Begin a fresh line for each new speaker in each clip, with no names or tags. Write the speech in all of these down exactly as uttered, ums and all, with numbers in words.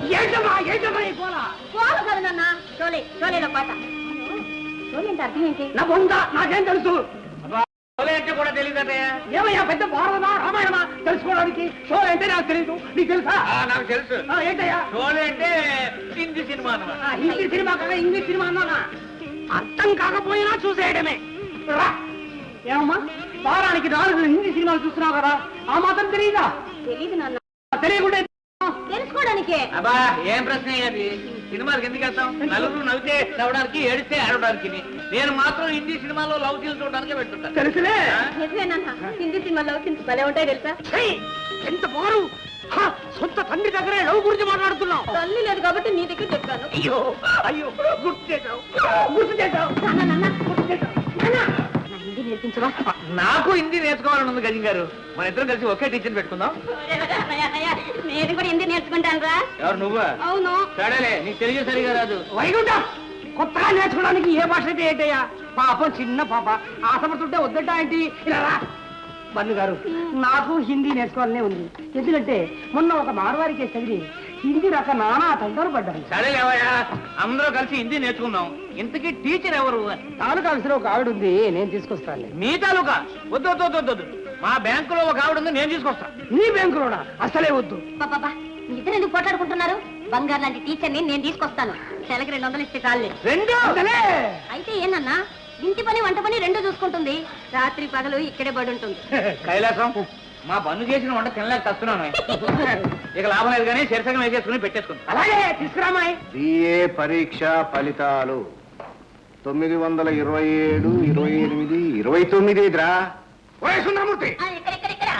ఏంటమ్మా ఏంటమ్మా ఈ కోల
కోల కదా నాన్న షోలే షోలేలో పాట షోలే అంటే అర్థం ఏంటి
నా బొంద నాకేం తెలుసు
అంటే కూడా తెలియదట
ఏమయ్యా పెద్ద భారతమా రామాయణమా తెలుసుకోవడానికి షోలు అంటే నాకు తెలియదు నీకు తెలుసా
నాకు తెలుసు
ఏంటయ్యా
షోలే అంటే హిందీ సినిమా
హిందీ సినిమా కదా ఇంగ్లీష్ సినిమా అన్నానా అర్థం కాకపోయినా చూసేయడమే ఏమమ్మా వారానికి నాలుగు హిందీ సినిమాలు చూస్తున్నావు కదా ఆ మాత్రం తెలియదా
తెలీదు నాన్న
తెలియకుండా
తెలుసుకోవడానికే
అబ్బా ఏం ప్రశ్న అది సినిమాలకు ఎందుకు వెళ్తాం నలుగురు నవ్వితే నవ్వడానికి ఏడిస్తే ఆడడానికి నేను మాత్రం హిందీ సినిమాలో లవ్ సీన్ చూడడానికి పెట్టుకుంటాను
తెలుసులే
నిజమేనన్నా హిందీ సినిమా లవ్ సీన్స్ భలే ఉంటాయి తెలుసా
ఎంత బారు సొంత తండ్రి దగ్గరే లవ్ గురించి మాట్లాడుతున్నావు
తల్లి లేదు కాబట్టి నీ దగ్గర చెప్పాను
అయ్యో అయ్యో గుర్తు చేశావు గుర్తు చేశావు గుర్తు చేశావు
హిందీ నేర్పించవా
నాకు హిందీ నేర్చుకోవాలని ఉంది గజం గారు మన ఇద్దరం కలిసి ఒకే టీచర్ పెట్టుకుందాం
నేను కూడా హిందీ నేర్చుకుంటాను రా
ఎవరు నువ్వా
అవును
సరేలే నీకు తెలియ సరిగా రాదు
వైకుంఠ కొత్తగా నేర్చుకోవడానికి ఏ భాష అయితే ఏంటయ్యా పాపం చిన్న పాప ఆశపడుతుంటే వద్దట ఏంటి ఇలా రా బన్ను గారు నాకు హిందీ నేర్చుకోవాలనే ఉంది ఎందుకంటే మొన్న ఒక మార్వారికి చదివి హిందీ రాక నానా తంటాలు పడ్డాను
సరేలేవయ్యా అందరూ కలిసి హిందీ నేర్చుకుందాం ఇంతకీ టీచర్ ఎవరు
తాలూకా ఆఫీసులో ఒక ఆవిడ ఉంది నేను తీసుకొస్తాను
మీ తాలూకా వద్దు వద్దు వద్దు వద్దు మా బ్యాంకులో ఒక ఆవిడ ఉంది నేను తీసుకొస్తాను
నీ బ్యాంకులోనా అసలే వద్దు
బాబా మీ ఇద్దరు ఎందుకు పోట్లాడుకుంటున్నారు బంగారు లాంటి టీచర్ని నేను తీసుకొస్తాను నెలకి రెండు వందలు ఇస్తే చాలే
రెండు
అయితే ఏనన్నా ఇంటి పని వంట పని రెండు చూసుకుంటుంది రాత్రి పగలు ఇక్కడే పడి ఉంటుంది
కైలాసం మా పన్ను చేసిన వంట తినలేక తస్తున్నాను ఇక లాభం లేదు కానీ శీర్షకం వేసేసుకుని పెట్టేసుకుంటాం
అలాగే తీసుకురామాయి
బిఏ పరీక్ష ఫలితాలు తొమ్మిది వందల ఇరవై ఏడు ఇరవై ఎనిమిది ఇరవై తొమ్మిది రా
సుందరమూర్తి
ఇక్కడ ఇక్కడ ఇక్కడ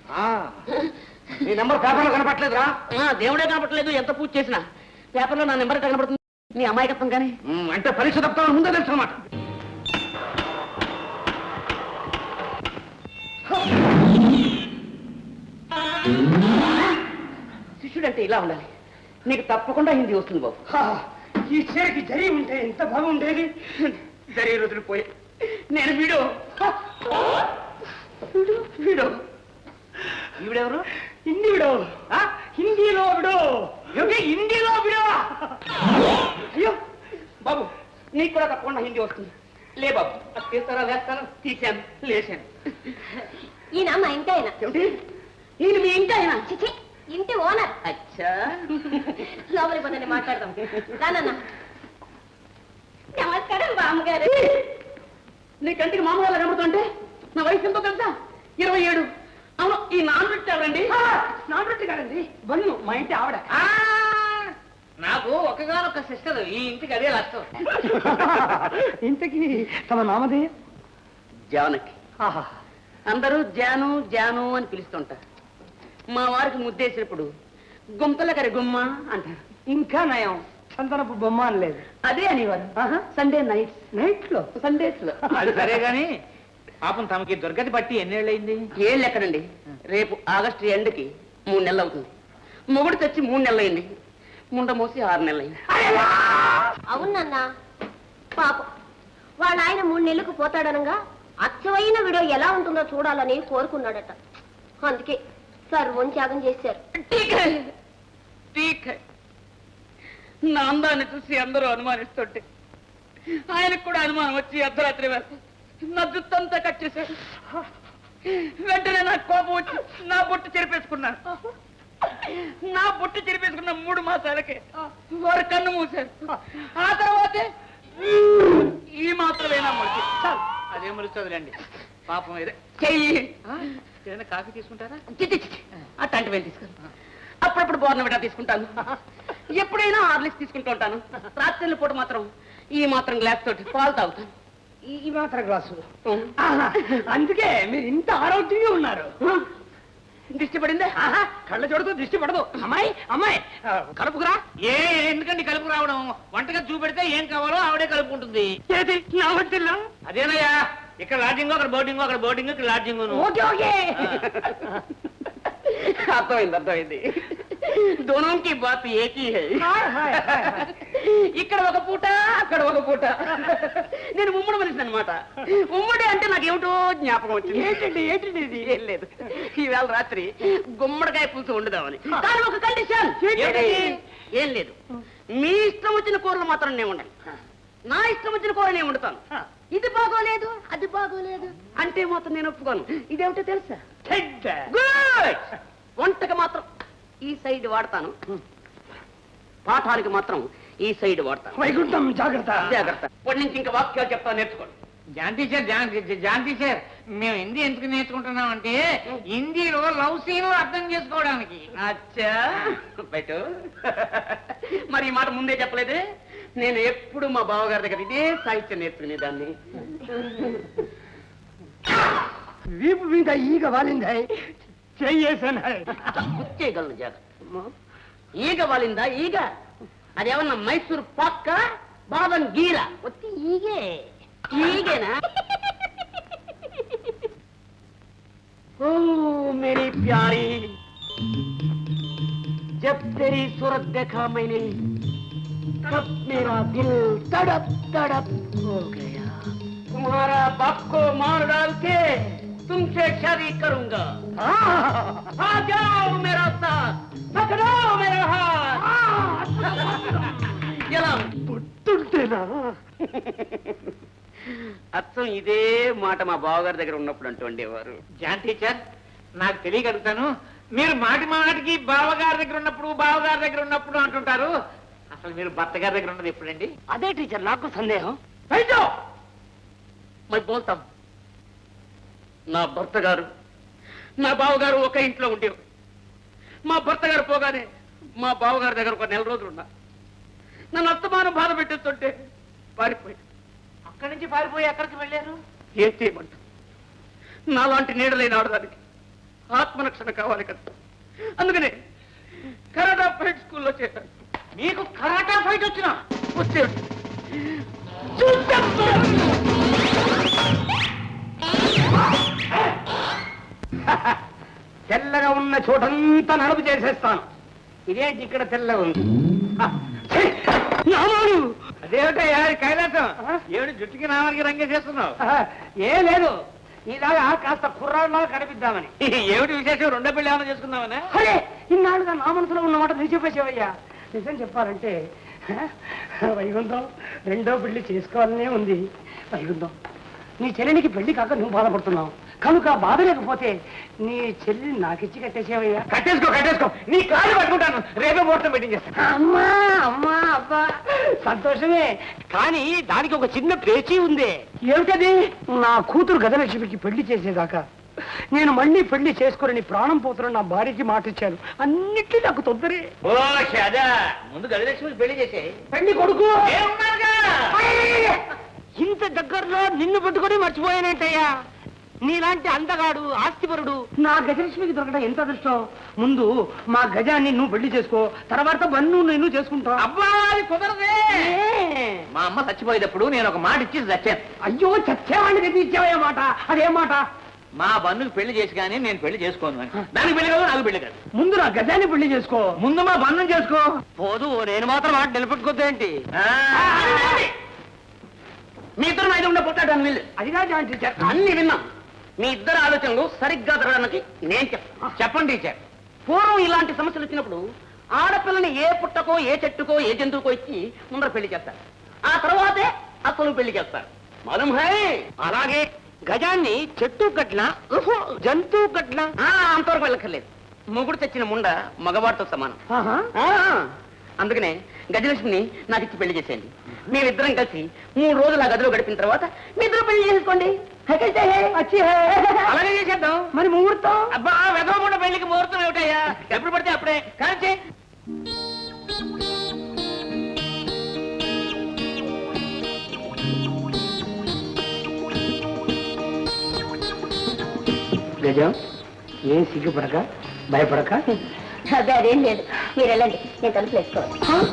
నీ నెంబర్ పేపర్లో కనపట్లేదురా
దేవుడే కనపడలేదు ఎంత పూజ చేసినా పేపర్లో నా నెంబర్ కనపడుతుంది నీ అమాయకత్వం కానీ
అంటే పరీక్ష తప్పుతాను ముందే తెలుసు అన్నమాట
శిష్యుడంటే ఇలా ఉండాలి నీకు తప్పకుండా హిందీ వస్తుంది బాబు
ఈ చీరకి జరి ఉంటే ఎంత బాగుండేది
జరిగే రోజులు పోయి నేను వీడు వీడు వీడు
ఈవిడెవరు
హిందీ విడో హిందీలో విడో హిందీలో విడో
అయ్యో బాబు నీకు కూడా తప్పకుండా హిందీ వస్తుంది లే బాబు అది తీస్తారా వేస్తాను తీసాను లేచాను
ఈయన మా ఇంటి ఆయన
ఏమిటి ఈయన మీ ఇంటి ఆయన
చిచి ఇంటి ఓనర్
అచ్చా
లోపలికి పోతే మాట్లాడదాం రానన్నా నమస్కారం బామ్మగారు
నీ కంటికి మామూలు కనబడుతుంటే నా వయసు ఎంతో తెలుసా ఇరవై ఏడు అవును ఈ నాన్ రొట్టె ఎవరండి
నాన్ రొట్టె కాదండి బన్ను మా ఇంటి ఆవిడ
నాకు ఒకగానొక సిస్టర్ ఈ ఇంటికి అదే నష్టం
ఇంతకి తమ నామదే
జానకి అందరూ జాను జాను అని పిలుస్తుంటారు మా వారికి ముద్దేసినప్పుడు గుంతల కరి గుమ్మ అంటారు
ఇంకా నయం చందనపు బొమ్మ అనలేదు
అదే అనేవారు సండే నైట్
నైట్ లో
సండేస్ లో
అది సరే గాని పాపం తమకి దుర్గతి బట్టి ఎన్నేళ్ళయింది
ఏళ్ళు ఎక్కడండి రేపు ఆగస్టు ఎండ్కి మూడు నెలలు అవుతుంది మొగుడు తెచ్చి మూడు నెలలు అయింది ముండ మోసి ఆరు నెలలు అయింది
అవునన్నా పాపం వాళ్ళ ఆయన మూడు నెలలకు పోతాడనగా అచ్చవైన వీడియో ఎలా ఉంటుందో చూడాలని కోరుకున్నాడట అందుకే సర్వం త్యాగం చేశారు
నా అందాన్ని చూసి అందరూ అనుమానిస్తుంటే ఆయనకు కూడా అనుమానం వచ్చి అర్ధరాత్రి వేళ నా జుత్తంతా కట్ చేశారు వెంటనే నాకు కోపం వచ్చి నా బొట్టు చెరిపేసుకున్నాను నా బొట్టు చెరిపేసుకున్న మూడు మాసాలకే వారు కన్ను మూసారు ఆ తర్వాతే ఈ మాత్రమేనా మొలిచి
అదే మరుస్తుందిలేండి పాపం ఏదే
చెయ్యి
ఏదైనా కాఫీ తీసుకుంటారా
అట్లాంటివి తీసుకుంటాను అప్పుడప్పుడు బోర్నవిటా తీసుకుంటాను ఎప్పుడైనా హార్లిక్స్ తీసుకుంటూ ఉంటాను రాత్రి పూట మాత్రం ఈ మాత్రం గ్లాస్ తోటి పాలు తాగుతాను
ఈ మాత్రం గ్లాసు అందుకే మీరు ఇంత ఆరోగ్యంగా ఉన్నారు
దిష్టి పడిందే
కళ్ళ చూడదు దృష్టి పడదు అమ్మాయి అమ్మాయి కలుపుకురా
ఏ ఎందుకండి కలుపు రావడం వంటగా చూపెడితే ఏం కావాలో ఆవిడే కలుపుకుంటుంది
ఏది నా వంటిల్లా
అదేనయ్యా ఇక్కడ లాడ్జింగ్ అక్కడ బోర్డింగ్ అక్కడ బోర్డింగ్ ఇక్కడ లాడ్జింగ్
ఓకే ఓకే
అర్థమైంది అర్థమైంది दोनों की बात एक ही है
హాయ్, హాయ్, హాయ్, హాయ్.
ఇక్కడ ఒక పూట అక్కడ ఒక పూట నేను ఉమ్మడి మనిషి అనమాట ఉమ్మడి అంటే నాకేమిటో జ్ఞాపకం వచ్చింది
ఏంటండి ఏంటండి ఇది
ఏం లేదు ఈవేళ రాత్రి గుమ్మడికాయ పులుసు వండుదామని కానీ ఒక కండిషన్
ఏంటది?
ఏం లేదు మీ ఇష్టం వచ్చిన కూరలు మాత్రం నేను వండాను నా ఇష్టం వచ్చిన కూర నేను వండుతాను ఇది బాగోలేదు అది బాగోలేదు అంటే మాత్రం నేను ఒప్పుకోను ఇదేమిటో తెలుసా గుడ్ వంటకి మాత్రం ఈ సైడ్ వాడతాను పాఠానికి మాత్రం ఈ సైడ్ వాడతాను
వైకుంఠం జాగ్రత్త
జాగ్రత్త ఇప్పటి నుంచి ఇంకా వాక్యాలు చెప్తా నేర్చుకోండి
John teacher John John teacher మేము హిందీ ఎందుకు నేర్చుకుంటున్నాం అంటే హిందీలో లవ్ సీన్లు అర్థం చేసుకోవడానికి.
అచ్చా బయట మరి ఈ మాట ముందే చెప్పలేదే నేను ఎప్పుడు మా బావగారి దగ్గర ఇదే సాహిత్యం నేర్చుకునేదాన్ని
వీపు మీద ఈగ వాలింది చెయ్యేసాను
గుర్చేయగలను జాగ్రత్త ఈగ వాలిందా ఈగ అదేమన్నా మైసూర్ పాక్క బాదం గీర వచ్చి ఈగే ఈగేనా ఓ మేరీ ప్యారీ జబ్ తెరీ सूरत देखा मैंने तब मेरा दिल तड़प तड़प हो गया तुम्हारा बाप को मार डाल के तुमसे शादी करूंगा आ जाओ मेरा साथ पकड़ो मेरा हाथ ఎలా
పుట్టుంటేనా
అచ్చం ఇదే మాట మా బావగారి దగ్గర ఉన్నప్పుడు అంటూ ఉండేవారు
జాన్ టీచర్ నాకు తెలియగలుగుతాను మీరు మాటి మాటికి బావగారి దగ్గర ఉన్నప్పుడు బావగారి దగ్గర ఉన్నప్పుడు అంటుంటారు. అసలు మీరు భర్త గారి దగ్గర ఉన్నది ఎప్పుడండి?
అదే టీచర్ నాకు సందేహం
అయితే
మరి బోల్తాం నా భర్త గారు నా బావగారు ఒక ఇంట్లో ఉండేవారు మా భర్త గారు పోగానే మా బావగారి దగ్గర ఒక నెల రోజులు ఉన్నా నన్ను అస్తమానం బాధ పెట్టేస్తుంటే పారిపోయి
అక్కడి నుంచి పారిపోయి ఎక్కడికి వెళ్ళారు?
ఏం చేయమంట నాలాంటి నీడలేని ఆడదానికి ఆత్మరక్షణ కావాలి కదా అందుకనే కరాటా ఫైట్ స్కూల్లో చేశాను
మీకు కరాటా ఫైట్ వచ్చినా
వచ్చే
తెల్లగా ఉన్న చోటంతా నలుపు చేసేస్తాను. ఇదేంటి ఇక్కడ తెల్ల ఉంది? నామాలు
అదేమిటయ్యా కైలాసం ఏమిటి జుట్టుకి నామానికి రంగేసేస్తున్నావు?
ఏ లేదు ఇలాగా కాస్త కుర్రాళ్ళగా కనిపిద్దామని.
ఏమిటి విశేషం? రెండో పెళ్లి ఏమైనా చేసుకుందామనే?
అరే ఇన్నాళ్ళుగా నా మనసులో ఉన్నమాట నువ్వు చెప్పేసేవయ్యా. నిజం చెప్పాలంటే వైకుంఠం రెండో పెళ్లి చేసుకోవాలనే ఉంది. వైకుంఠం నీ చెల్లినికి పెళ్లి కాక నువ్వు బాధపడుతున్నావు కనుక బాధ లేకపోతే నీ చెల్లి నాకిచ్చి కట్టేసేవయ్యా.
కట్టేసుకో కట్టేసుకో నీ కాళ్ళు పట్టుకుంటాను రేపే ముహూర్తం పెట్టింగ్ చేస్తాను.
అమ్మా అమ్మా అబ్బా సంతోషమే కానీ దానికి ఒక చిన్న పేచీ ఉంది. ఏమిటది? నా కూతురు గజలక్ష్మికి పెళ్లి చేసేదాకా నేను మళ్ళీ పెళ్లి చేసుకోరని ప్రాణం పోతున్న నా భార్యకి మాట ఇచ్చాను. అన్నిటికీ నాకు తొందరే.
ఓ షదా ముందు గజలక్ష్మి పెళ్లి చేసే
పెళ్లి కొడుకు
ఏమున్నారుగా?
ఇంత దగ్గరలో నిన్ను పెట్టుకొని మర్చిపోయానేంటయ్యా. నీలాంటి అందగాడు ఆస్తిపరుడు నా గజలక్ష్మికి దొరకడం ఎంత అదృష్టం. ముందు మా గజాన్ని నువ్వు పెళ్లి చేసుకో తర్వాత బన్ను నేను చేసుకుంటా.
అబ్బా అది కుదరదే. మా అమ్మ చచ్చిపోయేటప్పుడు నేను ఒక మాట ఇచ్చి చచ్చాను.
అయ్యో చచ్చేవాడిని గది ఇచ్చావయ్యా మాట. అదే మాట.
మా బన్నుకు పెళ్లి చేసి కానీ నేను పెళ్లి చేసుకోను అని. దానికి పెళ్లి కాదు నాకు పెళ్లి కాదు.
ముందు నా గజాన్ని పెళ్లి చేసుకో.
ముందు మా బంధం చేసుకో.
పోదు నేను మాత్రం మాట నిలబెట్టుకోద్దేంటి?
మీ ఇద్దరు నా ఉండే పుట్టాడు వీళ్ళు
అదిగా జాయిన్ టీచర్.
అన్ని విన్నాం మీ ఇద్దరు ఆలోచనలు సరిగ్గా జరగడానికి నేను చెప్తాను.
చెప్పండి టీచర్.
పూర్వం ఇలాంటి సమస్యలు వచ్చినప్పుడు ఆడపిల్లని ఏ పుట్టకో ఏ చెట్టుకో ఏ జంతువుకో ఇచ్చి ముందర పెళ్లి చేస్తారు. ఆ తర్వాతే అసలు పెళ్లి చేస్తారు. మాలూమ్ హై?
అలాగే గజాన్ని చెట్టు కట్ల జంతువు కట్ల
అంతవరకు వెళ్ళక్కర్లేదు. మొగుడు తెచ్చిన ముండ మగవాడితో సమానం. ఆ, అందుకనే గజలక్ష్మిని నాకు ఇచ్చి పెళ్లి చేసేయండి. మేమిద్దరం కలిసి మూడు రోజులు ఆ గదిలో గడిపిన తర్వాత మీ ఇద్దరు పెళ్లి చేసుకోండి.
అలాగే చేసేద్దాం.
మరి ముహూర్తం?
అబ్బా వెదవకుండా పెళ్లికి ముహూర్తం ఏమిటయ్యా? ఎప్పుడు పడితే అప్పుడే కానీ.
గజం ఏం సిగ్గుపడక భయపడక.
అదే అదేం లేదు మీరు వెళ్ళండి నేను తలుపులు వేసుకోవాలి.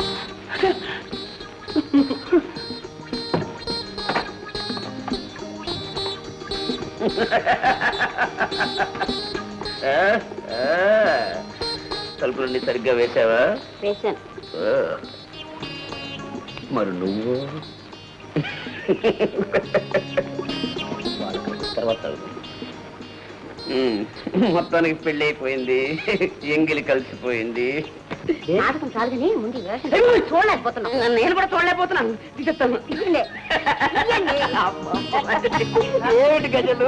తలుపులన్నీ సరిగ్గా వేసావా?
వేశాను.
ఓ. మరి నువ్వు తర్వాత ఉమ్, మొత్తానికి పెళ్లి అయిపోయింది, ఎంగిలి కలిసిపోయింది.
నాటకం చాలు కానీ ముందు ఈ వేషం చూడలేకపోతున్నాను.
నేను కూడా చూడలేకపోతున్నాను. తీసేస్తాను.
ఇవ్వండి. ఇవ్వండి.
ఏమిటి గజలు?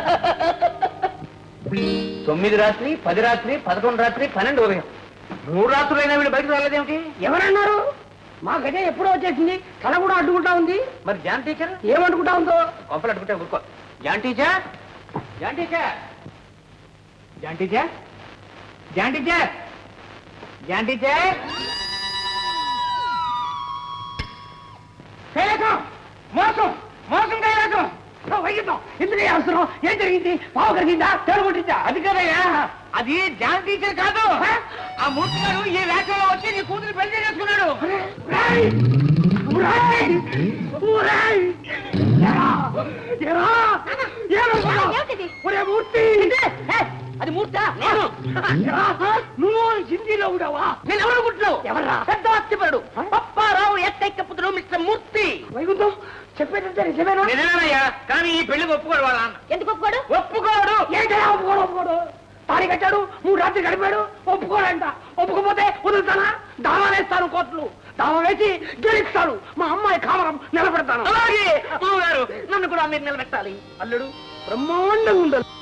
తొమ్మిది రాత్రి, పది రాత్రి, పదకొండు రాత్రి, పన్నెండు ఉదయం, మూడు రాత్రులైనా వీళ్ళు బయటకు రాలేదేమిటి?
ఎవరన్నారు? మా గజ ఎప్పుడో వచ్చేసింది. కళ కూడా అడ్డుకుంటా ఉంది.
మరి జాన్ టీచర్
ఏమనుకుంటా ఉందో?
కొంపలు అడ్డుకుంటే ఊరుకో. John teacher, John teacher, John teacher, John teacher, John teacher.
Kailasam! మోసం! మోసం కైలాసం! వైద్యం ఎందుకు అవసరం? ఏం జరిగింది? పావు కలిగిందా? తేలుకుంటుందా? అది కదయ్యా,
అది జాన్ టీచర్ కాదు. ఆ మూర్తి గారు ఈ వేషంలో వచ్చి నీ కూతురు పెళ్లి చేసుకున్నాడు.
రాయ్! రాయ్! ఊరాయ్! ఎరా! ఎరా! ఏమనుకున్నావ్?
ఏమిటిది?
ఒరే మూర్తి!
అది మూర్తా? నేను.
ఎరా! నువ్వు హిందీలో ఉండవా?
నేను ఎవరు అనుకుంటున్నావు?
ఎవర్రా?
పెద్ద అత్తిపరుడు పప్పారావు ఏకైక పుత్రుడు మిస్టర్ మూర్తి.
వైకుంఠం చెప్పేదంటే నిజమేనా?
నిజమేనయ్యా, కానీ ఈ పెళ్లికి ఒప్పుకోడు వాళ్ళ నాన్న.
ఎందుకు ఒప్పుకోడు?
ఒప్పుకోడు.
ఏంటయ్యా ఒప్పుకోడు? ఒప్పుకోడు తాళి కట్టాడు, మూడు రాత్రి గడిపాడు, ఒప్పుకోడంట. ఒప్పుకోపోతే వదులుతానా? దావా వేస్తాను, కోర్టులు దావా వేసి గెలుస్తాను. మా అమ్మాయి కామరం నిలబెడతాను.
అలాగే మామగారు, నన్ను కూడా మీరు నిలబెట్టాలి.
అల్లుడు బ్రహ్మాండంగా ఉండాలి.